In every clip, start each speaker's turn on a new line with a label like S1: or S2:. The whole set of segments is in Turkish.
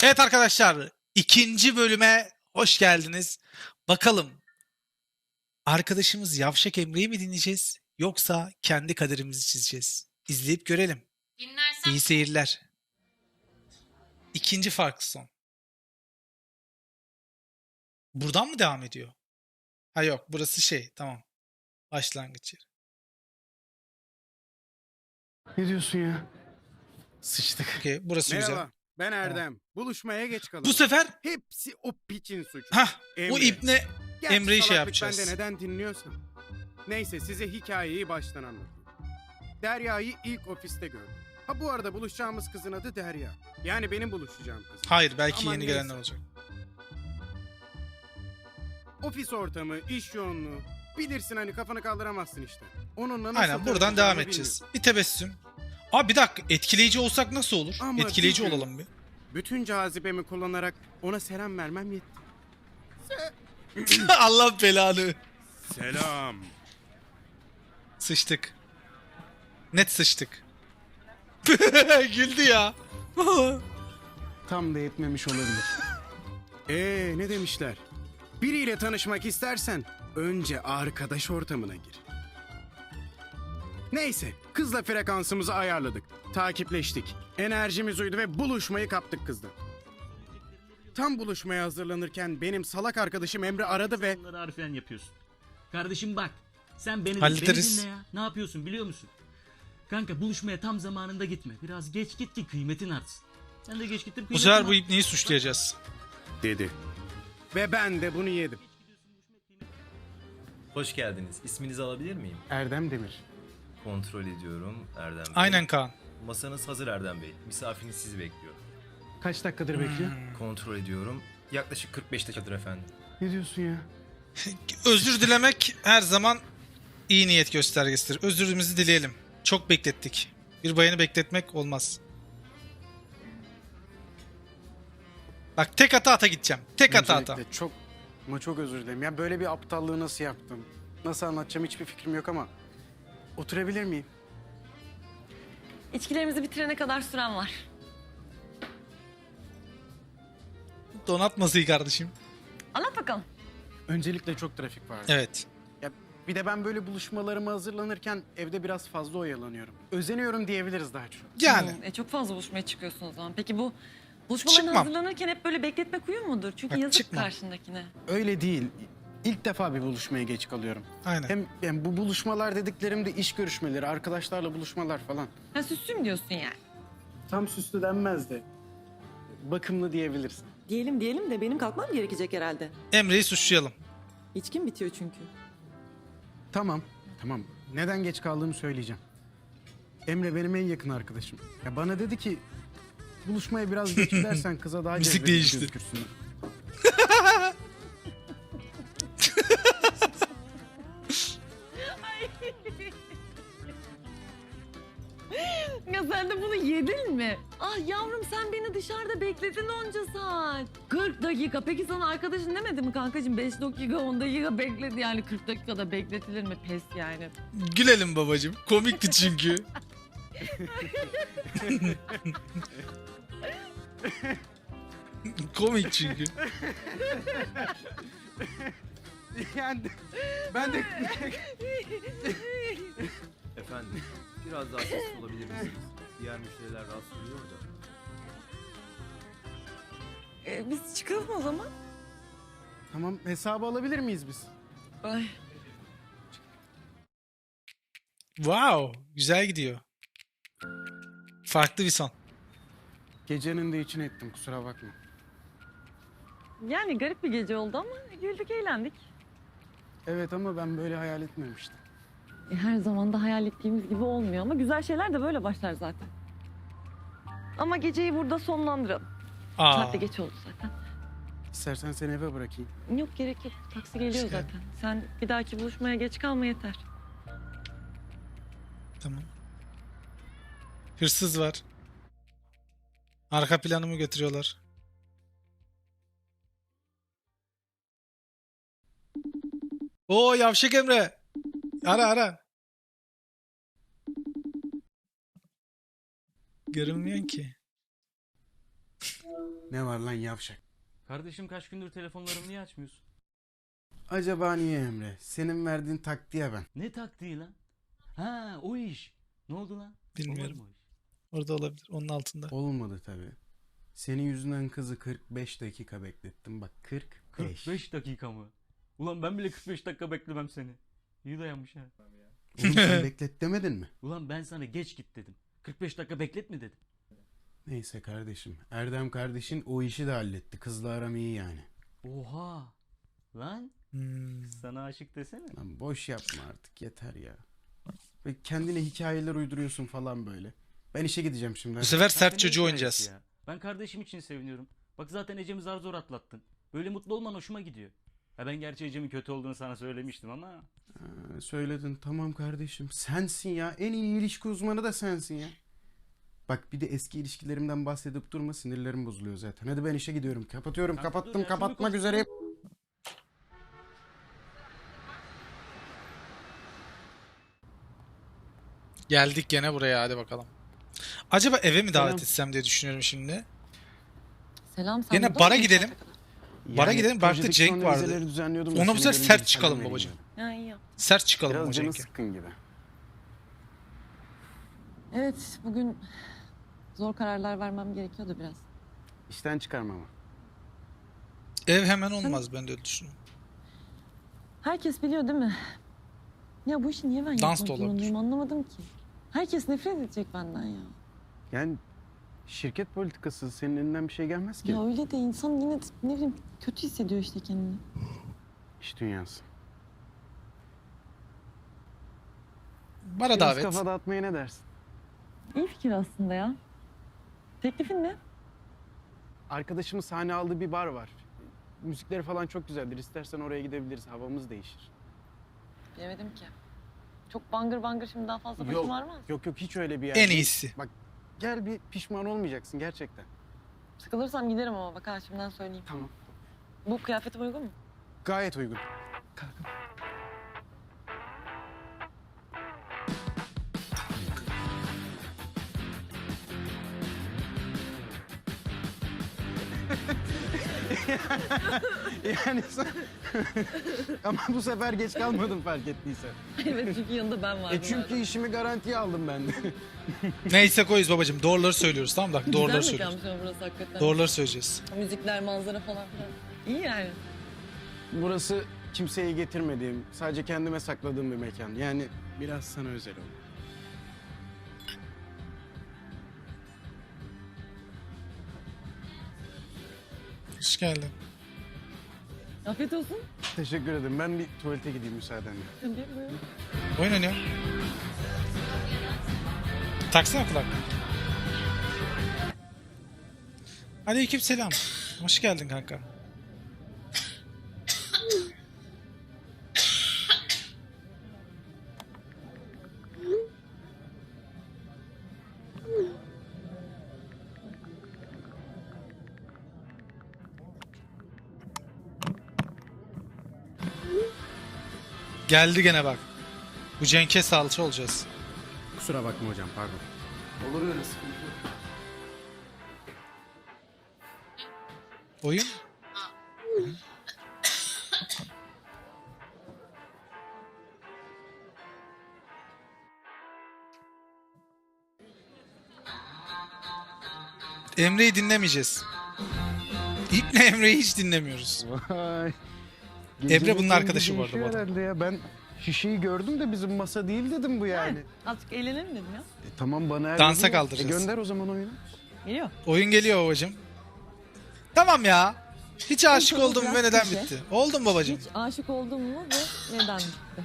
S1: Evet arkadaşlar, ikinci bölüme hoş geldiniz. Bakalım arkadaşımız Yavşak Emre'yi mi dinleyeceğiz yoksa kendi kaderimizi çizeceğiz? İzleyip görelim.
S2: Dinlersem
S1: İyi seyirler. İkinci farklı son. Buradan mı devam ediyor? Ha yok, burası şey, tamam. Başlangıç yeri.
S3: Ne diyorsun ya? Sıçtık.
S1: Okey, burası güzel.
S4: Merhaba, ben Erdem. Buluşmaya geç kaldım.
S1: Bu sefer
S4: Hepsi o piçin suçu.
S1: o
S4: Emre.
S1: ibne
S4: Gerçi
S1: Emre'yi şey
S4: salaklık
S1: yapacağız.
S4: bende neden dinliyorsan. Neyse size hikayeyi baştan anlatayım. Derya'yı ilk ofiste gördüm. Ha bu arada buluşacağımız kızın adı Derya. Yani benim buluşacağım kız.
S1: Hayır, belki
S4: Aman
S1: yeni
S4: neyse.
S1: gelenler olacak.
S4: Ofis ortamı, iş yoğunluğu. Bilirsin hani kafanı kaldıramazsın işte. Onunla nasıl
S1: Aynen, buradan
S4: tanışacağımı
S1: devam edeceğiz. Bir tebessüm. Abi bir dakika, etkileyici olsak nasıl olur?
S4: Ama
S1: Etkileyici
S4: bir gün-
S1: olalım bir.
S4: bilmiyorum. Bütün cazibemi kullanarak ona selam vermem yetti.
S1: Allah belanı.
S4: Selam.
S1: Sıçtık. Net sıçtık. Güldü ya.
S3: Tam da yetmemiş olabilir.
S4: Ne demişler? Biriyle tanışmak istersen önce arkadaş ortamına gir. Neyse, kızla frekansımızı ayarladık. Takipleştik. Enerjimiz uydu ve buluşmayı kaptık kızla. Tam buluşmaya hazırlanırken benim salak arkadaşım Emre aradı ve
S5: Bunları harfiyen yapıyorsun. Kardeşim bak. Sen beni
S1: Hallederiz.
S5: dinle ya. Ne yapıyorsun biliyor musun? Kanka buluşmaya tam zamanında gitme. Biraz geç git ki kıymetin artsın. Sen de geç gittin
S1: Bu
S5: kıymetin
S1: sefer bu
S5: art-
S1: ibneyi suçlayacağız.
S4: dedi. Ve ben de bunu yedim.
S6: Hoş geldiniz. İsminizi alabilir miyim?
S3: Erdem Demir.
S6: Kontrol ediyorum Erdem Bey.
S1: Aynen Kaan.
S6: Masanız hazır Erdem Bey. Misafiriniz sizi bekliyor.
S3: Kaç dakikadır bekliyor?
S6: Kontrol ediyorum. Yaklaşık 45 dakikadır efendim.
S3: Ne diyorsun ya?
S1: Özür dilemek her zaman iyi niyet göstergesidir. Özürümüzü dileyelim. Çok beklettik. Bir bayanı bekletmek olmaz. Bak tek ata gideceğim. Tek ata.
S3: Öncelikle çok özür dilerim. Ya böyle bir aptallığı nasıl yaptım? Nasıl anlatacağım hiçbir fikrim yok ama oturabilir miyim?
S2: içkilerimizi bitirene kadar süren var.
S1: Donat masayı kardeşim.
S2: Anlat bakalım.
S3: Öncelikle çok trafik vardı.
S1: Evet.
S3: Ya bir de ben böyle buluşmalarıma hazırlanırken evde biraz fazla oyalanıyorum. Özeniyorum diyebiliriz daha çok.
S1: Yani.
S2: Çok fazla buluşmaya çıkıyorsun o zaman. Peki bu buluşmaların
S1: Çıkmam.
S2: hazırlanırken hep böyle bekletmek uyum mudur? Çünkü
S1: Bak,
S2: yazık
S1: çıkmam.
S2: karşındakine.
S3: Öyle değil. İlk defa bir buluşmaya geç kalıyorum.
S1: Aynen.
S3: Hem yani bu buluşmalar dediklerim de iş görüşmeleri, arkadaşlarla buluşmalar falan.
S2: Ha süslüyüm diyorsun yani.
S3: Tam süslü denmez de bakımlı diyebilirsin.
S7: Diyelim de benim kalkmam gerekecek herhalde.
S1: Emre'yi suçlayalım.
S7: İçkim bitiyor çünkü.
S3: Tamam. Neden geç kaldığımı söyleyeceğim. Emre benim en yakın arkadaşım. Ya bana dedi ki buluşmaya biraz geç gidersen kıza daha
S1: Müzik
S3: cezbedici
S1: değişti.
S3: gözükürsün.
S2: Ya sen de bunu yedin mi? Ah yavrum sen beni dışarıda bekledin onca saat. 40 dakika. Peki sana arkadaşın demedi mi kankacığım? 5 dakika 10 dakika bekledi yani 40 dakikada bekletilir mi? Pes yani.
S1: Gülelim babacım. Komikti çünkü. Komik çünkü.
S3: Yani ben de
S6: Efendim, biraz daha sessiz olabilir misiniz? Diğer müşteriler rahatsız oluyor da.
S2: Biz çıkalım o zaman.
S3: tamam hesabı alabilir miyiz biz?
S2: Ay.
S1: Wow. Güzel gidiyor. Farklı bir son.
S3: Gecenin de için ettim kusura bakma.
S2: Yani garip bir gece oldu ama güldük eğlendik.
S3: Evet ama ben böyle hayal etmemiştim.
S2: Her zaman da hayal ettiğimiz gibi olmuyor ama güzel şeyler de böyle başlar zaten. Ama geceyi burada sonlandıralım.
S1: Aa.
S2: Saat de geç oldu zaten.
S3: İstersen seni eve bırakayım.
S2: Yok gerek yok. Taksi geliyor
S1: Hoş geldin.
S2: zaten. Sen bir dahaki buluşmaya geç kalma yeter.
S1: Tamam. Hırsız var. Arka planımı götürüyorlar. Oo Yavşak Emre. Ara. Görünmüyor ki.
S3: Ne var lan yavşak?
S5: Kardeşim kaç gündür telefonlarımı niye açmıyorsun?
S3: Acaba niye Emre? Senin verdiğin taktiğe ben.
S5: Ne taktiği lan? Ha o iş. Ne oldu lan?
S1: Bilmiyorum.
S5: Olmadı mı o iş?
S1: Orada olabilir. Onun altında.
S3: Olmadı tabii. Senin yüzünden kızı 45 dakika beklettim. Bak 45.
S5: 45 dakika mı? Ulan ben bile 45 dakika beklemem seni. İyi dayanmış ha.
S3: Oğlum sen beklet demedin mi?
S5: Ulan ben sana geç git dedim. 45 dakika bekletme dedim.
S3: Neyse kardeşim. Erdem kardeşin o işi de halletti. Kızla aram iyi yani.
S5: Oha. Lan sana aşık desene.
S3: Lan boş yapma artık yeter ya. Ve kendine hikayeler uyduruyorsun falan böyle. Ben işe gideceğim şimdi.
S1: Bu
S3: hadi.
S1: sefer sert
S5: Zaten
S1: çocuğu
S5: ne
S1: oynayacağız.
S5: hikayesi ya? Ben kardeşim için seviniyorum. Bak zaten Ecem'i zar zor atlattın. Böyle mutlu olman hoşuma gidiyor. Ha ben gerçi Ecem'in kötü olduğunu sana söylemiştim ama.
S3: Ha, söyledin tamam kardeşim. Sensin ya. En iyi ilişki uzmanı da sensin ya. Bak bir de eski ilişkilerimden bahsedip durma, sinirlerim bozuluyor zaten. Hadi ben işe gidiyorum. Kapatıyorum.
S5: Kanka dur
S3: Kapattım.
S5: ya, şunu
S3: Kapatmak
S5: konuş-
S3: üzereyim.
S1: Geldik gene buraya, hadi bakalım. Acaba eve mi davet
S3: Selam.
S1: etsem diye düşünüyorum şimdi.
S2: Selam sen
S1: Gene
S2: burada
S1: bara
S2: mısın
S1: gidelim.
S2: saate kadar?
S1: Bara gidelim, Bark'ta
S3: projedeki
S1: Cenk
S3: son
S1: vardı.
S3: revizeleri düzenliyordum da
S1: Ona bu
S3: seni
S1: sefer
S3: görünce
S1: sert
S3: bir
S1: çıkalım
S3: selam
S1: babacığım.
S3: vereyim
S2: Ya iyi yap.
S1: Sert çıkalım
S3: dedim.
S1: o
S3: Biraz canı
S1: Cenk'e.
S3: sıkkın gibi.
S2: Evet bugün zor kararlar vermem gerekiyordu biraz.
S3: İşten çıkarmama.
S1: Ev hemen olmaz, ben de öyle düşünüyorum.
S2: Herkes biliyor değil mi? Ya bu işi niye ben
S1: Dans da
S2: yapmak
S1: olabilir.
S2: zorundayım anlamadım ki. Herkes nefret edecek benden ya.
S3: Yani şirket politikası senin elinden bir şey gelmez ki.
S2: Ya öyle de insan yine de ne bileyim kötü hissediyor işte kendini.
S3: İş dünyası.
S1: Bara
S3: Biraz
S1: davet.
S3: kafa dağıtmaya ne dersin?
S2: İyi fikir aslında ya. Teklifin ne?
S3: Arkadaşımın sahne aldığı bir bar var. Müzikleri falan çok güzeldir. İstersen oraya gidebiliriz. Havamız değişir.
S2: Bilemedim ki. Çok bangır bangır şimdi daha fazla
S3: Yok.
S2: başım ağrımaz.
S3: Yok hiç öyle bir yer
S1: En
S3: değil.
S1: iyisi.
S3: Bak gel bir pişman olmayacaksın gerçekten.
S2: Sıkılırsam giderim ama bak ha şimdiden söyleyeyim.
S3: Tamam.
S2: Bu kıyafetim uygun mu?
S3: Gayet uygun. yani sen... Ama bu sefer geç kalmadım fark ettiysen.
S2: Evet çünkü yanında ben vardım.
S3: Çünkü işimi garantiye aldım ben de.
S1: Neyse koyuz babacığım, doğruları söylüyoruz, tamam mı? Bak doğruları
S2: Güzel
S1: söylüyoruz.
S2: mekanmış ama burası hakikaten.
S1: Doğruları söyleyeceğiz.
S2: Müzikler, manzara falan filan. İyi yani.
S3: Burası kimseye getirmediğim, sadece kendime sakladığım bir mekan. Yani biraz sana özel oldu.
S1: Hoş geldin.
S2: Afiyet olsun.
S3: Teşekkür ederim. Ben bir tuvalete gideyim müsaadenle.
S2: Tabii buyurun.
S1: Oyun oynuyor. Taksana kulak. Aleykümselam. Hoş geldin kanka. Geldi gene bak. Bu Cenk'e salça olacağız.
S3: Kusura bakma hocam, pardon.
S6: Olur öyle sıkıntı yok.
S1: Oyun. Emre'yi dinlemeyeceğiz. İlkle Emre'yi hiç dinlemiyoruz.
S3: Vay.
S1: Emre bunun arkadaşı bu arada, bu
S3: Değişiyor
S1: arada.
S3: herhalde ya. Ben şişeyi gördüm de bizim masa değil dedim bu yani.
S2: Azıcık eğlenelim dedim ya.
S3: Tamam bana her
S1: Dansa
S3: gün-
S1: kaldıracağız.
S3: Gönder o zaman oyunu.
S2: Geliyor.
S1: Oyun geliyor babacım. Tamam ya. Hiç aşık
S2: Tamam,
S1: oldum
S2: biraz
S1: ve neden
S2: klişe.
S1: bitti? Oldum babacım.
S2: Hiç aşık oldun mu ve neden bitti?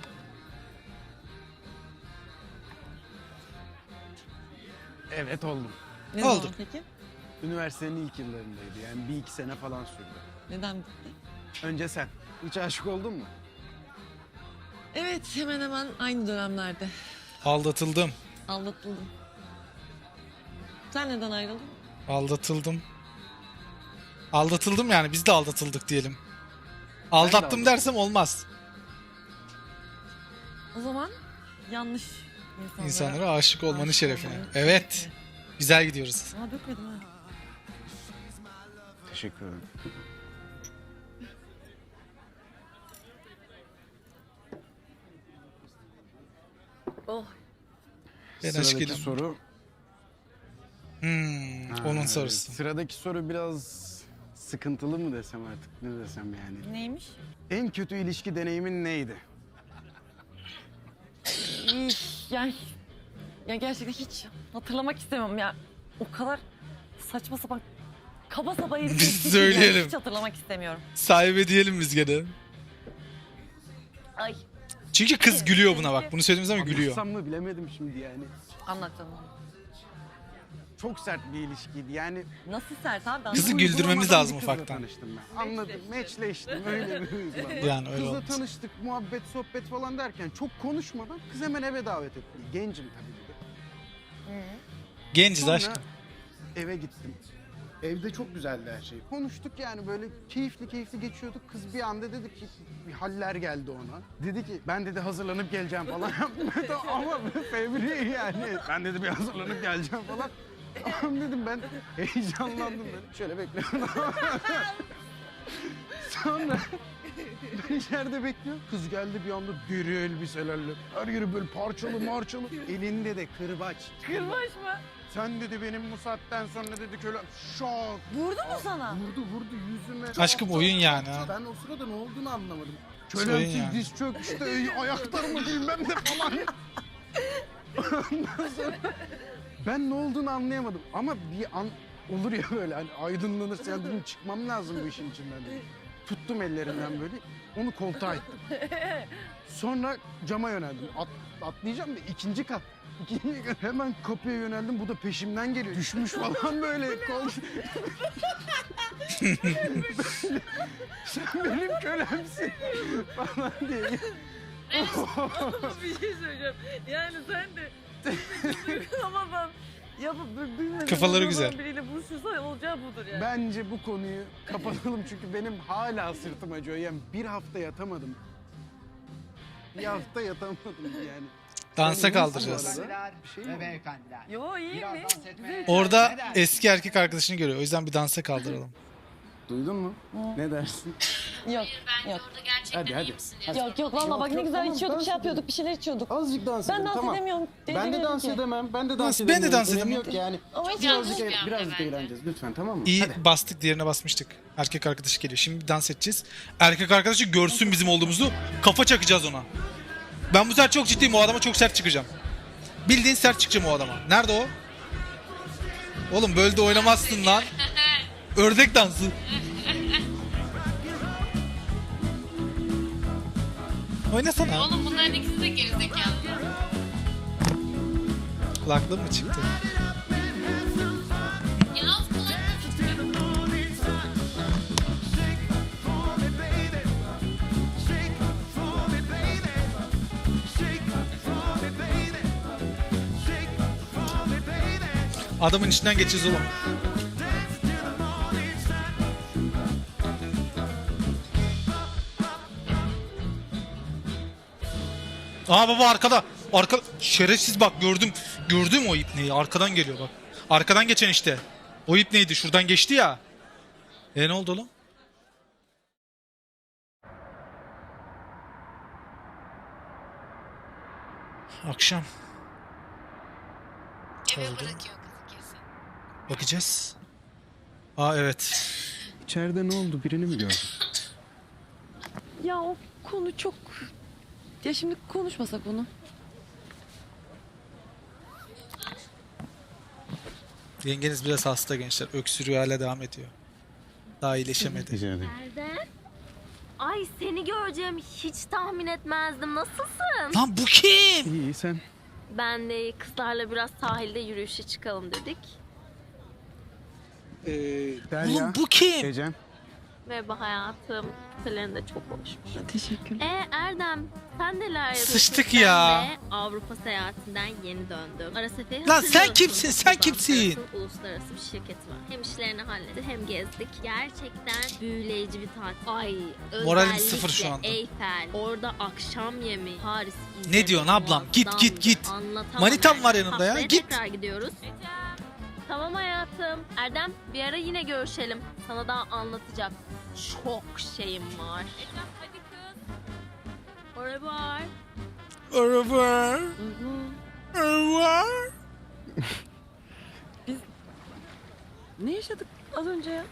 S3: Evet oldum.
S2: Ne
S1: Oldu.
S2: zaman peki?
S3: Üniversitenin ilk yıllarındaydı yani bir iki sene falan sürdü.
S2: Neden bitti?
S3: Önce sen. Hiç aşık oldun mu?
S2: Evet hemen hemen aynı dönemlerde.
S1: Aldatıldım.
S2: Aldatıldım. Sen neden ayrıldın?
S1: Aldatıldım. Aldatıldım yani, biz de aldatıldık diyelim. Aldattım
S3: aldatıldım.
S1: dersem olmaz.
S2: O zaman yanlış
S1: İnsanlara aşık olmanın
S2: aşık
S1: şerefine.
S2: olmanın
S1: Evet.
S2: şerefine.
S1: Güzel gidiyoruz.
S2: Aa dökmedim ha.
S3: Teşekkür ederim.
S2: Oh.
S1: Ben
S3: Sıradaki
S1: aşkıyla.
S3: soru.
S1: Onun sorusu.
S3: Sıradaki soru biraz sıkıntılı mı desem artık, ne desem yani.
S2: Neymiş?
S3: En kötü ilişki deneyimin neydi?
S2: Ya gerçekten hiç hatırlamak istemem ya. O kadar saçma sapan kaba saba herif.
S1: Biz söyleyelim.
S2: Hiç hatırlamak istemiyorum.
S1: Sahibi diyelim biz gene.
S2: Ay
S1: Çünkü kız gülüyor buna bak. Bunu söylediğimiz zaman gülüyor.
S3: Anlatsam mı bilemedim şimdi yani.
S2: anlat canım.
S3: Çok sert bir ilişkiydi yani.
S2: Nasıl sert abi?
S1: Kızı
S2: Anlat.
S1: güldürmemiz
S3: Uygulamadan
S1: lazım
S3: bir kızla
S1: ufaktan.
S3: tanıştım ben. Anladım. Matchleştim. Öyle bir uygulama.
S1: Yani öyle
S3: Kızla
S1: olmaz.
S3: tanıştık, muhabbet, sohbet falan derken çok konuşmadan kız hemen eve davet etti. Gencim tabii bir de.
S1: Genciz
S3: Sonra
S1: aşkım.
S3: eve gittim. Evde çok güzeldi her şey. Konuştuk yani böyle keyifli geçiyorduk. Kız bir anda dedi ki bir haller geldi ona. Dedi ki ben dedi hazırlanıp geleceğim falan yaptım. Ama fevri yani. Ben dedi bir hazırlanıp geleceğim falan. Tamam dedim ben heyecanlandım böyle. Şöyle bekliyorum. Sonra ben içeride bekliyorum. Kız geldi bir anda deri elbiselerle. Her yeri böyle parçalı. Elinde de kırbaç.
S2: Kırbaç mı?
S3: Sen dedi benim bu saatten sonra dedi köle şok.
S2: Vurdu mu sana?
S3: Vurdu yüzüme.
S1: Aşkım oyun yani ha.
S3: Ben o sırada ne olduğunu anlamadım.
S1: Oyun
S3: Kölemsiz
S1: yani.
S3: diz çök işte ayaklarımı bilmem ne falan. Ondan sonra ben ne olduğunu anlayamadım. Ama bir an olur ya böyle hani aydınlanırsa yani dedim çıkmam lazım bu işin içinden dedim. Tuttum ellerinden böyle onu koltuğa ittim. Sonra cama yöneldim. Atlayacağım da ikinci kat. Hemen kapıya yöneldim. Bu da peşimden geliyor. Düşmüş falan böyle. Sen benim kölemsin falan diye.
S2: Bir şey söyleyeceğim. Yani sen de uygulamadan yapıp bilmeden
S1: Kafaları
S2: uygulamadan
S1: güzel.
S2: biriyle buluşursan olacağı budur yani.
S3: Bence bu konuyu kapatalım çünkü benim hala sırtım acıyor. Yani bir hafta yatamadım. Bir hafta yatamadım yani.
S1: Dansa
S3: Yani
S1: kaldıracağız.
S3: nasıl bu arada? Bir şey mi oldu?
S8: beyefendiler.
S2: Yo iyi
S8: Biraz
S2: mi?
S8: dans etmeye-
S2: Güzel.
S1: Orada eski erkek arkadaşını görüyor. O yüzden bir dansa kaldıralım.
S3: Duydun mu? Ne dersin?
S2: Yok. Yok.
S3: Hadi.
S2: Yok valla bak ne güzel
S3: tamam,
S2: içiyorduk
S3: dans
S2: şey yapıyorduk bir şeyler içiyorduk.
S3: Azıcık dans
S2: Ben
S3: edelim,
S2: dans
S3: tamam.
S2: edemiyorum.
S3: Ben de
S2: edemiyorum
S3: dans
S2: ki.
S3: edemem. Ben de dans
S1: Nasıl?
S3: edemiyorum.
S1: Ben de dans
S3: Önemi
S1: edemem.
S3: yok yani.
S2: Ama hiç
S3: Birazcık eğleneceğiz lütfen, tamam mı?
S1: İyi
S3: Hadi.
S1: bastık, diğerine basmıştık. Erkek arkadaşı geliyor. Şimdi dans edeceğiz. Erkek arkadaşı görsün bizim olduğumuzu. Kafa çakacağız ona. Ben bu sefer çok ciddiyim. O adama çok sert çıkacağım. Bildiğin sert çıkacağım o adama. Nerede o? Oğlum böyle de oynamazsın lan. Ördek dansı. Oynasana.
S9: Oğlum bunların ikisi de gerizekalı.
S1: Kulaklığın mı çıktı?
S9: Ya az kulaklık çıkıyor.
S1: Adamın içinden geçeceğiz oğlum. Aa baba arkada. Arka şerefsiz bak gördüm. Gördüm o ipneyi. Arkadan geliyor bak. Arkadan geçen işte. O ipneydi. Şuradan geçti ya. Ne oldu oğlum? Akşam.
S9: Eve
S1: Oldu.
S9: bırakıyor kızı kesin.
S1: Bakacağız. Aa evet.
S3: İçeride ne oldu? Birini mi gördün?
S2: Ya o konu çok... Ya şimdi konuşmasak onu.
S1: Yengeniz biraz hasta gençler. Öksürüyor hala devam ediyor. Daha iyileşemedi.
S3: Rica ederim.
S9: Nerede? Ay seni göreceğim hiç tahmin etmezdim. Nasılsın?
S1: Lan bu kim?
S3: İyi sen.
S9: Ben de kızlarla biraz sahilde yürüyüşe çıkalım dedik.
S3: Derya.
S1: Oğlum bu kim?
S3: Ecem.
S9: Merhaba hayatım. Kutuların da çok hoşmuş.
S2: Teşekkürler.
S9: Erdem sen neler yapıyorsun?
S1: Sıçtık
S9: Ben
S1: ya.
S9: de Avrupa seyahatinden yeni döndüm. Ara seferi
S1: Lan sen
S9: hatırlıyorsun.
S1: kimsin? Sen
S9: Uluslararası-
S1: kimsin?
S9: Uluslararası bir şirket var. Hem işlerini hallettik hem gezdik. Gerçekten büyüleyici bir tatil. Ay
S1: Moralim
S9: özellikle
S1: sıfır şu anda.
S9: Eyfel. Orada akşam yemeği. Paris.
S1: Ne diyorsun ablam? Git, git, git.
S9: Anlatamam
S1: Manitam
S9: yani.
S1: var yanımda ya,
S9: Haftaya
S1: git.
S9: tekrar gidiyoruz. Tamam hayatım. Erdem bir ara yine görüşelim. Sana daha anlatacak çok şeyim var. Hadi kız. Oraya var.
S1: Araba. Araba.
S2: Ne yaşadık az önce ya?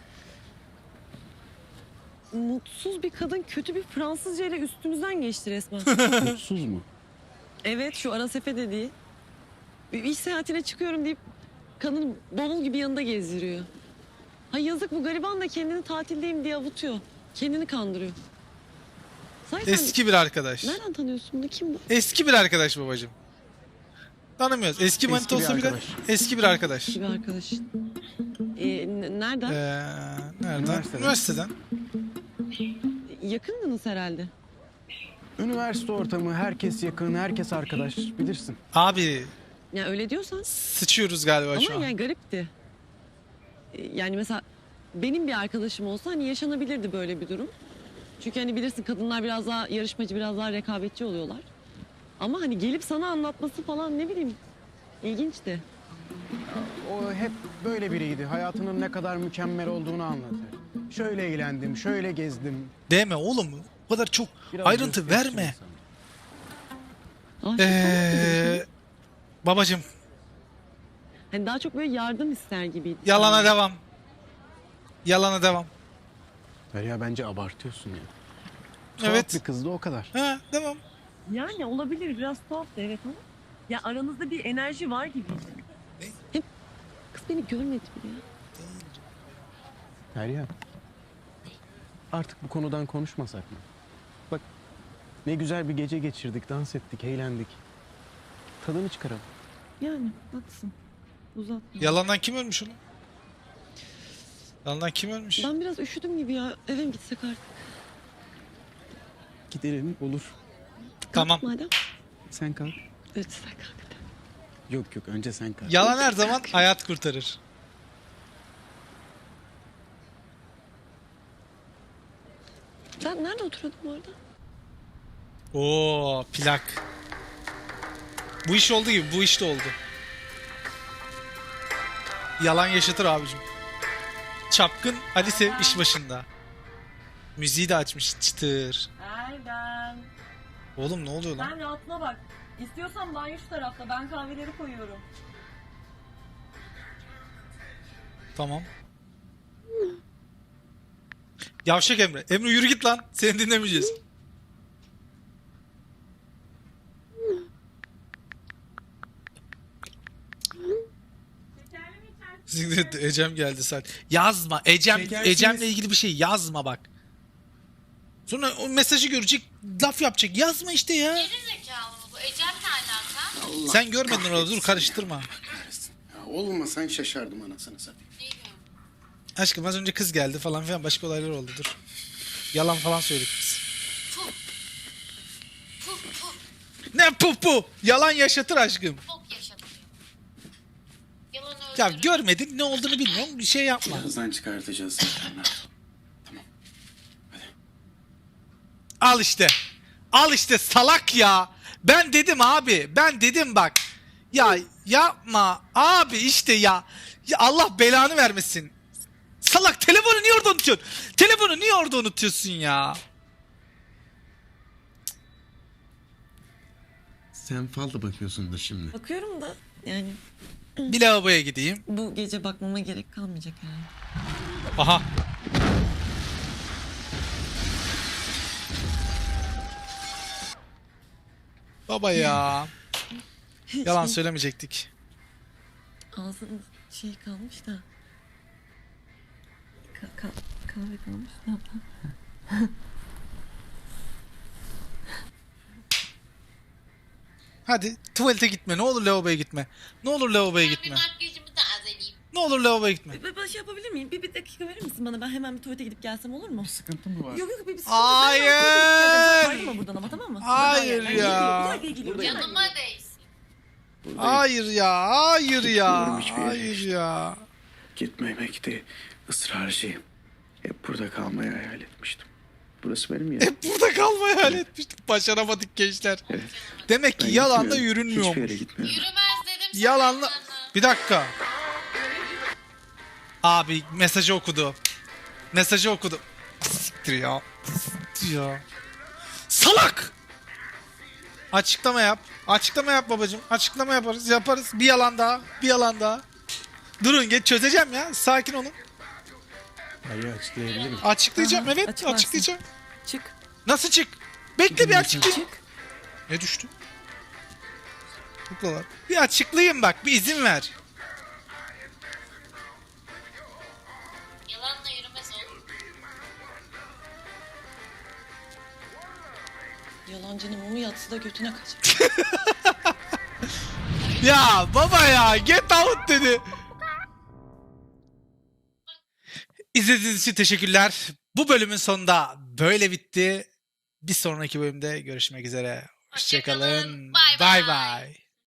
S2: Mutsuz bir kadın kötü bir Fransızca ile üstümüzden geçti resmen.
S3: Mutsuz mu?
S2: Evet, şu Arasefe dediği. Bir iş seyahatine çıkıyorum deyip kadın bavul gibi yanında gezdiriyor. Ha yazık, bu gariban da kendini tatildeyim diye avutuyor. Kendini kandırıyor. Zaten
S1: Eski bir arkadaş.
S2: nereden tanıyorsun bunu? Kim bu?
S1: Eski bir arkadaş babacığım. Tanımıyoruz. Eski manita
S3: bir
S1: olsa bile
S3: arkadaş.
S1: eski bir arkadaş.
S2: Bir arkadaşın. Nereden?
S1: Nereden?
S3: Üniversiteden.
S1: Üniversiteden.
S2: Yakındınız herhalde.
S3: Üniversite ortamı, herkes yakın, herkes arkadaş, bilirsin.
S1: Abi
S2: Ya öyle diyorsan.
S1: sıçıyoruz galiba şu
S2: Ama
S1: an.
S2: yani garipti. Yani mesela benim bir arkadaşım olsa hani yaşanabilirdi böyle bir durum. Çünkü hani bilirsin kadınlar biraz daha yarışmacı, biraz daha rekabetçi oluyorlar. Ama hani gelip sana anlatması falan ne bileyim ilginçti.
S3: O hep böyle biriydi. Hayatının ne kadar mükemmel olduğunu anlatır. Şöyle eğlendim, şöyle gezdim.
S1: Deme oğlum. O kadar çok
S3: Biraz
S1: ayrıntı
S3: gösterişli
S1: verme.
S3: insan.
S1: Babacığım
S2: Hani daha çok böyle yardım ister gibiydi.
S1: yalana devam. Yalana devam.
S3: Derya bence abartıyorsun ya. Tuhaf
S1: Evet.
S3: bir kızdı o kadar.
S1: Ha, devam.
S2: Yani olabilir, biraz tuhaftı evet ama. Ya aranızda bir enerji var gibiydi. Hep kız beni görmedi bile ya.
S3: Derya. Artık bu konudan konuşmasak mı? Bak ne güzel bir gece geçirdik, dans ettik, eğlendik. Tadını çıkaralım.
S2: Yani haklısın. Uzatma.
S1: Yalandan kim ölmüş oğlum? Yalandan kim ölmüş?
S2: Ben biraz üşüdüm gibi ya. Eve mi gitsek artık?
S3: Gidelim olur.
S1: Tamam.
S2: Madem.
S3: Sen kalk.
S2: Evet sen kalk.
S3: Yok yok önce sen kalk.
S1: Yalan her zaman hayat kurtarır.
S2: Sen nerede oturuyordun bu arada?
S1: Oo, plak. Bu iş oldu gibi, bu iş de oldu. Yalan yaşatır abicim. Çapkın Ali Sev iş başında. Müziği de açmış çıtır.
S7: Erdem.
S1: Oğlum ne oluyor lan?
S7: Sen rahatına bak. İstiyorsan banyo şu tarafta. Ben kahveleri koyuyorum.
S1: Tamam. Yavşak Emre. Emre yürü git lan. Seni dinlemeyeceğiz. Ecem geldi saat. Yazma. Ecem'le ilgili bir şey yazma bak. Sonra o mesajı görecek, laf yapacak. Yazma işte ya.
S9: Zekalı mı bu? Ecem ne alaka?
S1: Sen görmedin orada, dur karıştırma.
S3: Ya olmasan şaşardım anasını satayım.
S1: Aşkım az önce kız geldi falan filan, başka olaylar oldu, dur. Yalan falan söyledik biz. Ne pupu? Yalan yaşatır aşkım.
S9: Çok yaşatıyor. Yalan
S1: Ya görmedin, ne olduğunu bilmiyorum, bir şey yapma.
S3: Birazdan çıkartacağız zaten.
S1: Al işte. Al işte salak ya. Ben dedim abi. Ben dedim bak. Ya yapma abi işte ya. Ya Allah belanı vermesin. Salak, telefonu niye orada unutuyorsun? Telefonu niye orada unutuyorsun ya?
S3: Sen falda bakıyorsundur şimdi.
S2: Bakıyorum da yani
S1: Bir lavaboya gideyim.
S2: bu gece bakmama gerek kalmayacak yani.
S1: Aha. Baba ya. Yalan söylemeyecektik.
S2: Ağzım şey kalmış da. Kahve kalmış da.
S1: Hadi tuvalete gitme. Ne olur lavaboya gitme. Ne olur lavaboya gitme.
S9: makyajımı tazeleyeyim.
S1: Ne olur lavaboya gitme.
S2: Ben şey yapabilir miyim? Bir dakika verir misin bana? Ben hemen bir tuvalete gidip gelsem olur mu?
S3: Sıkıntı mı var?
S2: Yok yok bir sıkıntı.
S1: Hayır.
S2: Ben tuvalete gidip geleceğim. Sen ayrılma buradan ama tamam mı?
S1: Hayır
S2: Ben
S1: ya.
S2: geliyorum.
S9: Yanıma değsin.
S1: Hayır ya. Hayır ya.
S3: Gidiyorum hiçbir yere
S1: Hayır
S3: işte.
S1: ya.
S3: Gitmemekte ısrarcıyım. Hep burada kalmayı hayal etmiştim. Burası benim yerim.
S1: Hep burada kalmayı hayal etmiştik. Başaramadık gençler.
S3: Evet.
S1: Demek ki
S3: Ben
S1: yalanla
S3: gitmiyorum. Hiçbir
S1: yürünmüyormuş.
S3: yere gitmiyorum.
S9: Yürümez dedim sana.
S1: Yalanla... Bir dakika. Abi mesajı okudu. Mesajı okudu. Siktir ya. Siktir ya. Salak! Açıklama yap. Açıklama yap babacığım. Açıklama yaparız. Yaparız. Bir yalan daha. Bir yalan daha. Durun geç çözeceğim ya. Sakin olun.
S4: Hayır açıklayabilirim.
S1: Açıklayacağım
S2: Aha,
S1: evet.
S2: açıklarsın.
S1: Açıklayacağım.
S2: Çık.
S1: Nasıl çık? Bekle bir açıklayayım.
S2: Çık.
S1: Ne düştü? Kuklalar. Bir açıklayayım bak. Bir izin ver.
S9: Yalanla yürümez oğlum.
S7: Yalancının mumu yatsı da götüne kaçar.
S1: Ya baba ya get out dedi. İzlediğiniz için teşekkürler. Bu bölümün sonunda böyle bitti. Bir sonraki bölümde görüşmek üzere. Hoşçakalın.
S9: Hoşçakalın. Bay
S1: Bay
S9: bay.
S1: bay.